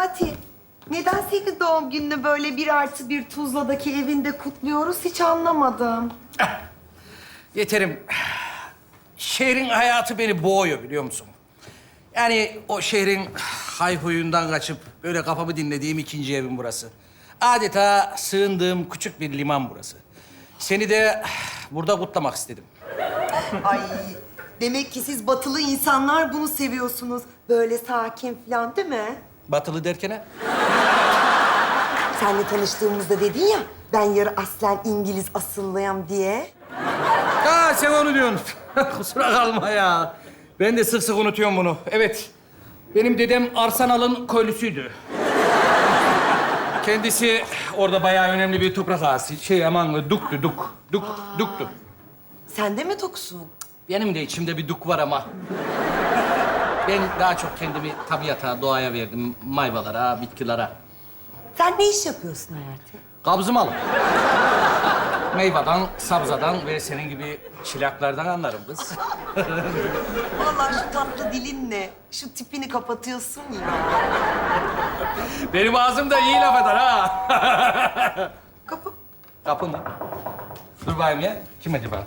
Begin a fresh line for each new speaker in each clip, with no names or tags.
Hayati, neden senin doğum gününü böyle 1+1 Tuzla'daki evinde kutluyoruz hiç anlamadım.
Yeterim. Şehrin hayatı beni boğuyor biliyor musun? Yani o şehrin hayhuyundan kaçıp böyle kafamı dinlediğim ikinci evim burası. Adeta sığındığım küçük bir liman burası. Seni de burada kutlamak istedim.
Ay, demek ki siz batılı insanlar bunu seviyorsunuz. Böyle sakin falan değil mi?
Batılı derken?
Seninle tanıştığımızda dedin ya, ben yarı aslen İngiliz asıllıyım diye.
Ha sen onu diyorsun. Kusura kalma ya. Ben de sık sık unutuyorum bunu. Evet. Benim dedem Arsanal'ın köylüsüydü. Kendisi orada bayağı önemli bir toprak ağası. Duktu.
Sen de mi toksun?
Benim de içimde bir duk var ama. Ben daha çok kendimi tabiata, doğaya verdim. Mayvalara, bitkilere.
Sen ne iş yapıyorsun Hayati?
Kabzım alın. Meyveden, sabzadan ve senin gibi çilaklardan anlarım kız.
Vallahi şu tatlı dilinle şu tipini kapatıyorsun ya.
Benim ağzım da iyi laf eder ha.
Kapı.
Kapı mı? Dur bakayım ya. Kim acaba?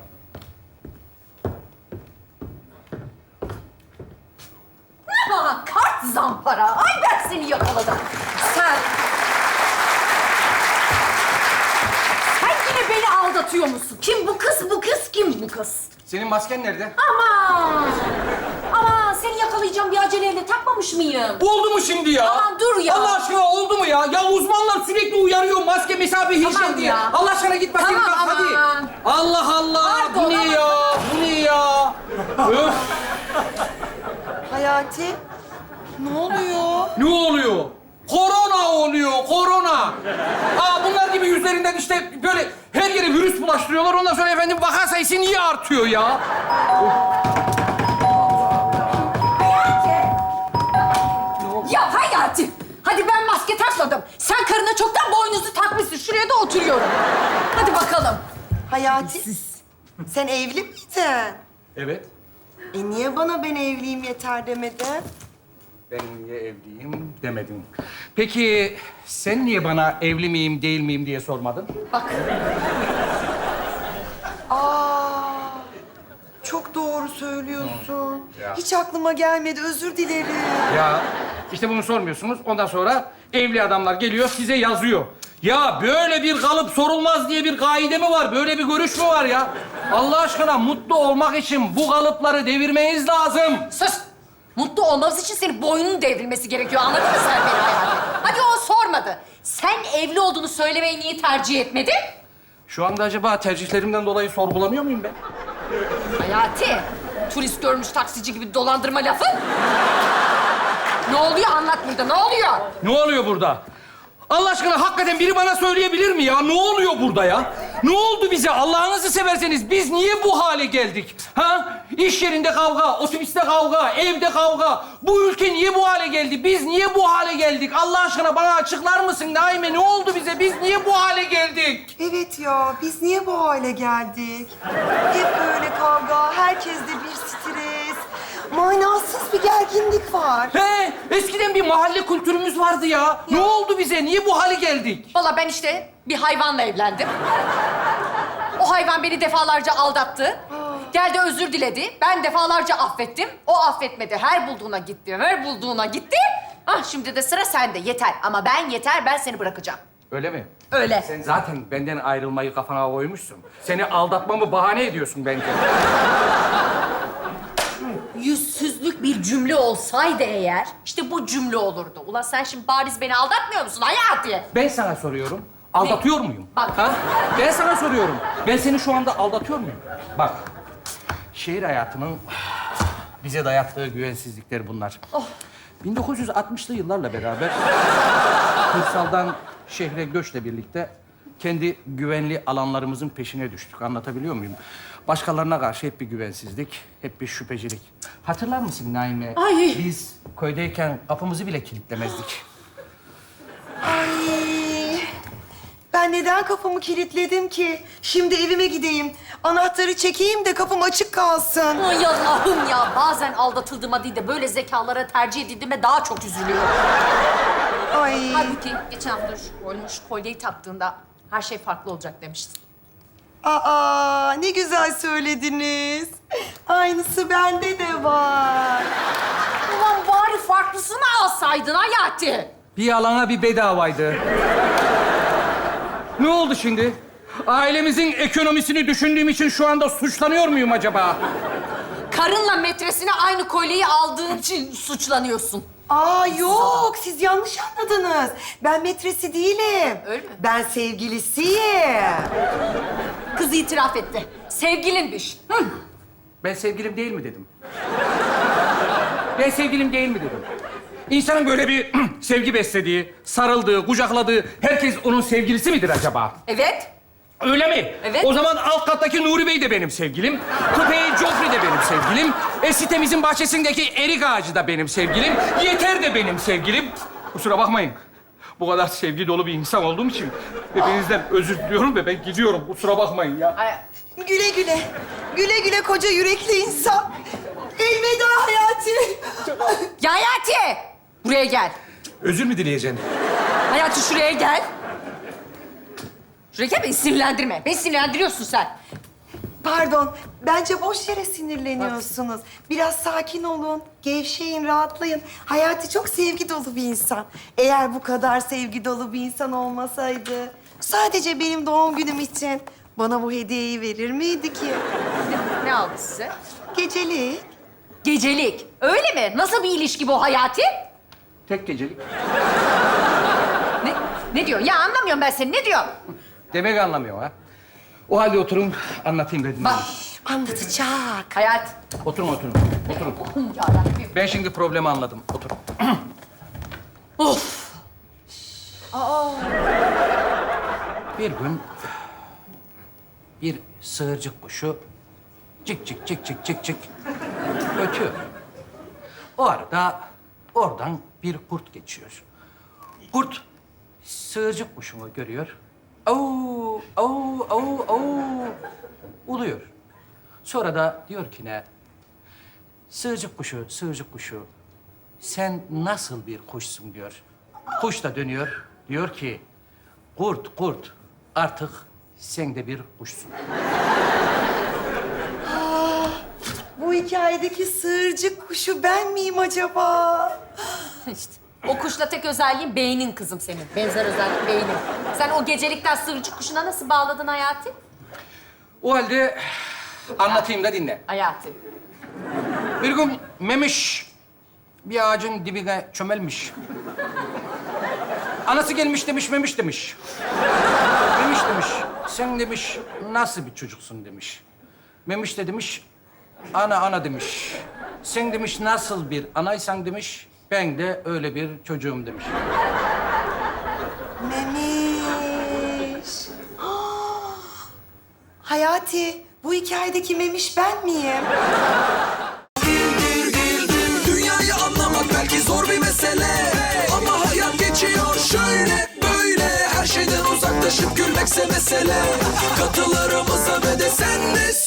Ha, kart zampara. Ay ben seni yakaladım. Sen yine beni aldatıyor musun? Kim bu kız, bu kız? Kim bu kız?
Senin masken nerede?
Aman! Aman seni yakalayacağım bir aceleyle takmamış mıyım?
Oldu mu şimdi ya?
Aman dur ya.
Allah aşkına oldu mu ya? Ya uzmanlar sürekli uyarıyor maske, mesafe, hijyen
Tamam
diye.
ya.
Allah aşkına git maskeni tak
Tamam,
hadi.
aman.
Allah Allah.
Pardon,
Bu ne
aman.
ya? Bu ne ya? Öf.
Hayati, ne oluyor?
Ne oluyor? Korona oluyor, korona. Bunlar gibi yüzlerinden işte böyle her yere virüs bulaştırıyorlar. Ondan sonra efendim vaka sayısı niye artıyor ya?
Ya Hayati! Hadi ben maske takmadım. Sen karına çoktan boynuzu takmışsın. Şuraya da oturuyorum. Hadi bakalım.
Hayati, sen evli miydin?
Evet.
Niye bana ben evliyim yeter demedin?
Ben niye evliyim demedim. Peki sen niye bana evli miyim değil miyim diye sormadın?
Bak.
Çok doğru söylüyorsun.
Ya.
Hiç aklıma gelmedi, özür dilerim.
Ya işte bunu sormuyorsunuz. Ondan sonra evli adamlar geliyor size yazıyor. Ya böyle bir kalıp sorulmaz diye bir kaide mi var? Böyle bir görüş mü var ya? Allah aşkına mutlu olmak için bu kalıpları devirmeniz lazım.
Sus! Mutlu olmamız için senin boynunun devrilmesi gerekiyor. Anladın mı sen beni Hayati? Hadi o sormadı. Sen evli olduğunu söylemeyi niye tercih etmedin?
Şu anda acaba tercihlerimden dolayı sorgulanıyor muyum ben?
Hayati, turist görmüş taksici gibi dolandırma lafı. Ne oluyor anlat burada, ne oluyor?
Ne oluyor burada? Allah aşkına hakikaten biri bana söyleyebilir mi ya? Ne oluyor burada ya? Ne oldu bize? Allah'ınızı severseniz biz niye bu hale geldik? Ha? İş yerinde kavga, otobüste kavga, evde kavga. Bu ülke niye bu hale geldi? Biz niye bu hale geldik? Allah aşkına bana açıklar mısın Naime? Ne oldu bize? Biz niye bu hale geldik?
Evet ya, biz niye bu hale geldik? Hep böyle kavga, herkeste bir stres, manasız bir gerginlik var.
He, eskiden bir mahalle kültürümüz vardı ya. Ne oldu bize? Niye bu hale geldik?
Vallahi ben işte bir hayvanla evlendim. O hayvan beni defalarca aldattı. Geldi özür diledi. Ben defalarca affettim. O affetmedi. Her bulduğuna gitti, her bulduğuna gitti. Şimdi de sıra sende. Yeter. Ama ben seni bırakacağım.
Öyle mi?
Öyle.
Sen zaten benden ayrılmayı kafana koymuşsun. Seni aldatmamı bahane ediyorsun bence.
Yüzsüzlük bir cümle olsaydı eğer, işte bu cümle olurdu. Ulan sen şimdi bariz beni aldatmıyor musun Hayati?
Ben sana soruyorum. Aldatıyor muyum?
Bak.
Ha? Ben sana soruyorum. Ben seni şu anda aldatıyor muyum? Bak. Şehir hayatının bize dayattığı güvensizlikler bunlar. 1960'lı yıllarla beraber kırsaldan şehre göçle birlikte kendi güvenli alanlarımızın peşine düştük. Anlatabiliyor muyum? Başkalarına karşı hep bir güvensizlik, hep bir şüphecilik. Hatırlar mısın Naime?
Ay.
Biz köydeyken kapımızı bile kilitlemezdik.
Ay, ben neden kapımı kilitledim ki? Şimdi evime gideyim, anahtarı çekeyim de kapım açık kalsın.
Ay Allah'ım ya. Bazen aldatıldığıma değil de böyle zekalara tercih edildiğime daha çok üzülüyorum. Halbuki geçen hafta şu kolyeyi taktığında her şey farklı olacak demiştin.
Aa, ne güzel söylediniz. Aynısı bende de var.
Ulan bari farklısını alsaydın Hayati.
Bir yalana bir bedavaydı. Ne oldu şimdi? Ailemizin ekonomisini düşündüğüm için şu anda suçlanıyor muyum acaba?
Karınla metresine aynı kolyeyi aldığın için suçlanıyorsun.
Aa yok, siz yanlış anladınız. Ben metresi değilim.
Öyle mi?
Ben sevgilisiyim.
Kız itiraf etti. Sevgilinmiş. Hı.
Ben sevgilim değil mi dedim? Ben sevgilim değil mi dedim? İnsanın böyle bir sevgi beslediği, sarıldığı, kucakladığı herkes onun sevgilisi midir acaba?
Evet.
Öyle mi?
Evet.
O zaman alt kattaki Nuri Bey de benim sevgilim. Kupeyi Joffrey de benim sevgilim. Sitemizin bahçesindeki erik ağacı da benim sevgilim. Yeter de benim sevgilim. Kusura bakmayın. Bu kadar sevgi dolu bir insan olduğum için hepinizden özür diliyorum ve ben gidiyorum. Kusura bakmayın ya.
Ay,
Güle güle. Güle güle koca yürekli insan. Elveda Hayati.
Ya Hayati! Buraya gel.
Özür mü dileyeceksin?
Hayati şuraya gel. Şuraya gel, beni sinirlendirme. Beni sinirlendiriyorsun sen.
Pardon, bence boş yere sinirleniyorsunuz. Biraz sakin olun, gevşeyin, rahatlayın. Hayati çok sevgi dolu bir insan. Eğer bu kadar sevgi dolu bir insan olmasaydı... ...sadece benim doğum günüm için bana bu hediyeyi verir miydi ki?
Ne aldı size?
Gecelik.
Gecelik. Öyle mi? Nasıl bir ilişki bu Hayati?
Tek gecelik.
Ne diyor? Ya anlamıyorum ben seni. Ne diyor?
Demek anlamıyor ha. O halde oturun, anlatayım dedim.
Bak.
Anlatacak.
Hayat.
Oturun, oturun. Oturun.
Yarabbim.
Ben şimdi problemi anladım. Oturun.
Of.
Bir gün bir sığırcık kuşu cik cik cik cik cik cik ötüyor. O arada oradan bir kurt geçiyor. Kurt sığırcık kuşunu görüyor. Au, au, au, au uluyor. Sonra da diyor ki ne? Sığırcık kuşu, sığırcık kuşu. Sen nasıl bir kuşsun diyor. Kuş da dönüyor. Diyor ki kurt, kurt. Artık sen de bir kuşsun.
Bu hikayedeki sığırcık kuşu ben miyim acaba?
İşte. O kuşla tek özelliğin beynin kızım senin. Benzer özellik beynin. Sen o gecelikten sığırcık kuşuna nasıl bağladın Hayati?
O halde anlatayım da dinle.
Hayati.
Bir gün Memiş bir ağacın dibine çömelmiş. Anası gelmiş demiş, Memiş demiş. Memiş demiş, sen demiş nasıl bir çocuksun demiş. Memiş de demiş, ana demiş. Sen demiş nasıl bir anaysan demiş, ben de öyle bir çocuğum demiş.
Memiş. Ah! Hayati, bu hikayedeki Memiş ben miyim?
Dünyayı anlamak belki zor bir mesele, ama hayat geçiyor şöyle böyle. Her şeyden uzaklaşıp gülmekse mesele. Katılarımıza ve de sen de